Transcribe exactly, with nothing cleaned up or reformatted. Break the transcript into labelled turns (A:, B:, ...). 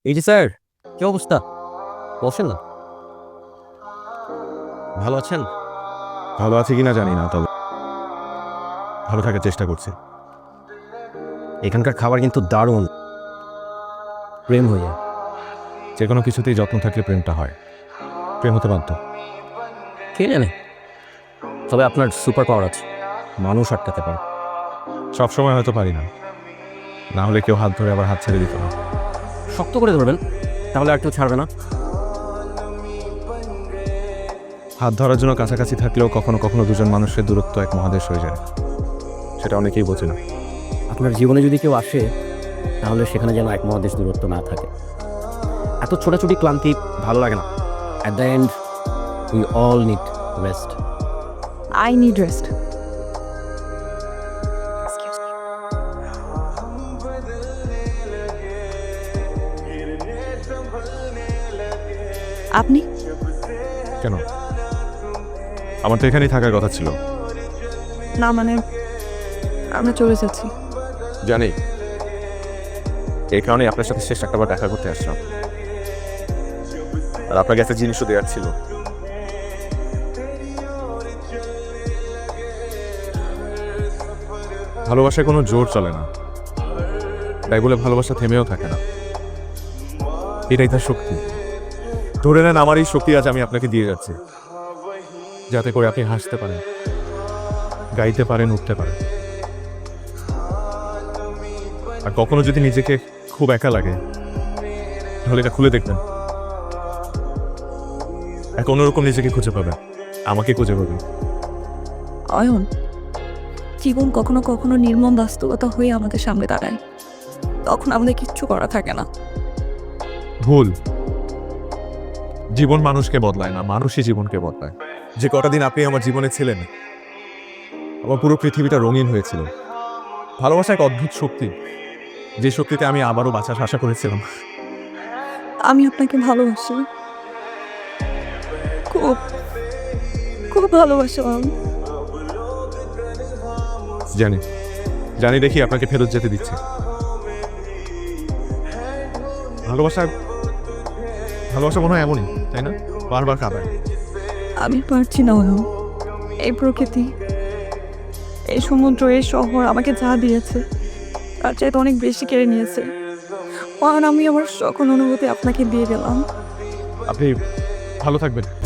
A: এই যে স্যার, কি অবস্থা? বসেন না। ভালো আছেন?
B: ভালো আছি কিনা জানি না, তবে ভালো থাকার চেষ্টা করছি।
A: এখানকার খাবার কিন্তু দারুণ। প্রেম হয়ে যায়।
B: যে কোনো কিছুতেই যত্ন থাকলে প্রেমটা হয়। প্রেম হতে বাধ্য।
A: কে জানে, তবে আপনার সুপার পাওয়ার আছে, মানুষ আটকাতে পারে।
B: সবসময় হয়তো পারি না, না হলে কেউ হাত ধরে আবার হাত ছেড়ে দিত না।
A: শক্ত করে ধরবেন, তাহলে আর কেউ ছাড়বে না।
B: হাত ধরার জন্য কাছাকাছি থাকলেও কখনো কখনো দুজন মানুষের দূরত্ব এক মহাদেশ হয়ে যায়, সেটা অনেকেই বোঝে না।
A: আপনার জীবনে যদি কেউ আসে, তাহলে সেখানে যেন এক মহাদেশ দূরত্ব না থাকে। এত ছোটাছুটি ক্লান্তি ভালো লাগে না। At the end we all need rest.
C: I need rest. আপনি
B: কেন? আমার তো এখানেই থাকার কথা ছিল।
C: না মানে আমরা চলে যাচ্ছি।
B: জানি, এই কারণে আপনার সাথে শেষ একটাবার দেখা করতে আসলাম, আর আপনার কাছে জিনিসও দেওয়ার ছিল। ভালোবাসায় কোনো জোর চলে না, তাই বলে ভালোবাসা থেমেও থাকে না। এটাই তার শক্তি। ধরে নেন আমার এই শক্তি আজ আমি আপনাকে দিয়ে যাচ্ছি, যাতে করে আপনি হাসতে পারেন, গাইতে পারেন, উঠতে পারেন। আর কখনো যদি নিজেকে খুব একা লাগে, তাহলে এটা খুলে দেখবেন। এক অন্যরকম নিজেকে খুঁজে পাবেন, আমাকে খুঁজে পাবেন।
C: অয়ন, জীবন কখনো কখনো নির্মম বাস্তবতা হয়ে আমাদের সামনে দাঁড়ায়, তখন আমাদের কিচ্ছু করা থাকে না।
B: ভুল। জীবন মানুষকে বদলায় না, মানুষই জীবনকে বদলায়। যে কটা দিন আপনি আমার জীবনে ছিলেন, আমার পুরো পৃথিবীটা রঙিন হয়েছিল। ভালোবাসা এক অদ্ভুত শক্তি, যে শক্তিতে আমি আবারও বাঁচার আশা করেছিলাম।
C: আমি আপনাকে ভালোবাসি, খুব খুব ভালোবাসি অয়ন।
B: জানি, জানি দেখি আপনাকে ফেরত যেতে দিচ্ছে। ভালোবাসা ভালোবাসা মনে হয় এমনই, তাই না? বারবার কাঁদায়।
C: আমি পারছি না অয়ন। এই প্রকৃতি, এই সমুদ্র, এই শহর আমাকে যা দিয়েছে তার চাইতে অনেক বেশি কেড়ে নিয়েছে। অয়ন, আমি আমার সকল অনুভূতি আপনাকে দিয়ে গেলাম।
B: আপনি ভালো থাকবেন।